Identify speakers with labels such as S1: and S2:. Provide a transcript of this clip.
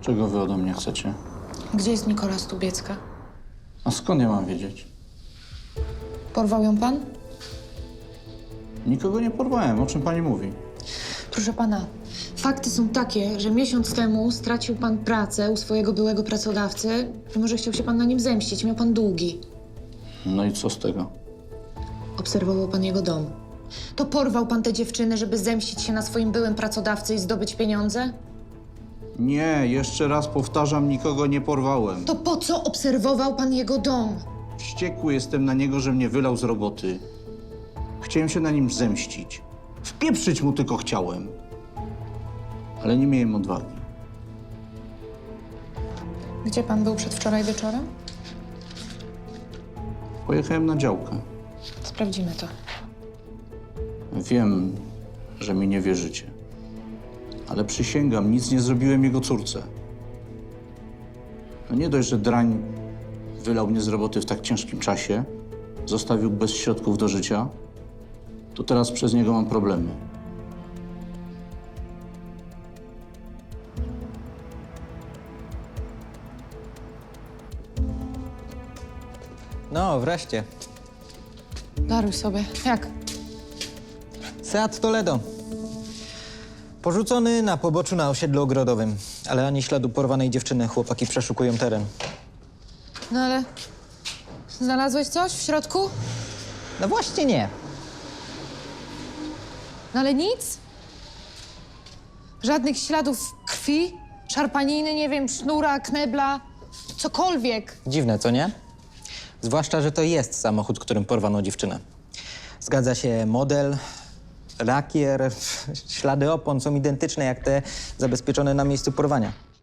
S1: Czego wy ode mnie chcecie?
S2: Gdzie jest Nikola Stubiecka?
S1: A skąd ja mam wiedzieć?
S2: Porwał ją pan?
S1: Nikogo nie porwałem. O czym pani mówi?
S2: Proszę pana, fakty są takie, że miesiąc temu stracił pan pracę u swojego byłego pracodawcy i może chciał się pan na nim zemścić. Miał pan długi.
S1: No i co z tego?
S2: Obserwował pan jego dom. To porwał pan tę dziewczynę, żeby zemścić się na swoim byłym pracodawcy i zdobyć pieniądze?
S1: Nie, jeszcze raz powtarzam, nikogo nie porwałem.
S2: To po co obserwował pan jego dom?
S1: Wściekły jestem na niego, że mnie wylał z roboty. Chciałem się na nim zemścić. Wpieprzyć mu tylko chciałem. Ale nie miałem odwagi.
S2: Gdzie pan był przedwczoraj wieczorem?
S1: Pojechałem na działkę.
S2: Sprawdzimy to.
S1: Wiem, że mi nie wierzycie. Ale przysięgam, nic nie zrobiłem jego córce. No nie dość, że drań wylał mnie z roboty w tak ciężkim czasie, zostawił bez środków do życia, to teraz przez niego mam problemy.
S3: No, wreszcie.
S2: Daruj sobie. Jak?
S3: Seat Toledo. Porzucony na poboczu na osiedlu ogrodowym. Ale ani śladu porwanej dziewczyny. Chłopaki przeszukują teren.
S2: No ale... Znalazłeś coś w środku?
S3: No właśnie nie.
S2: No ale nic? Żadnych śladów krwi? Szarpaniny, nie wiem, sznura, knebla? Cokolwiek.
S3: Dziwne, co nie? Zwłaszcza, że to jest samochód, którym porwano dziewczynę. Zgadza się model, lakier, ślady opon są identyczne jak te zabezpieczone na miejscu porwania.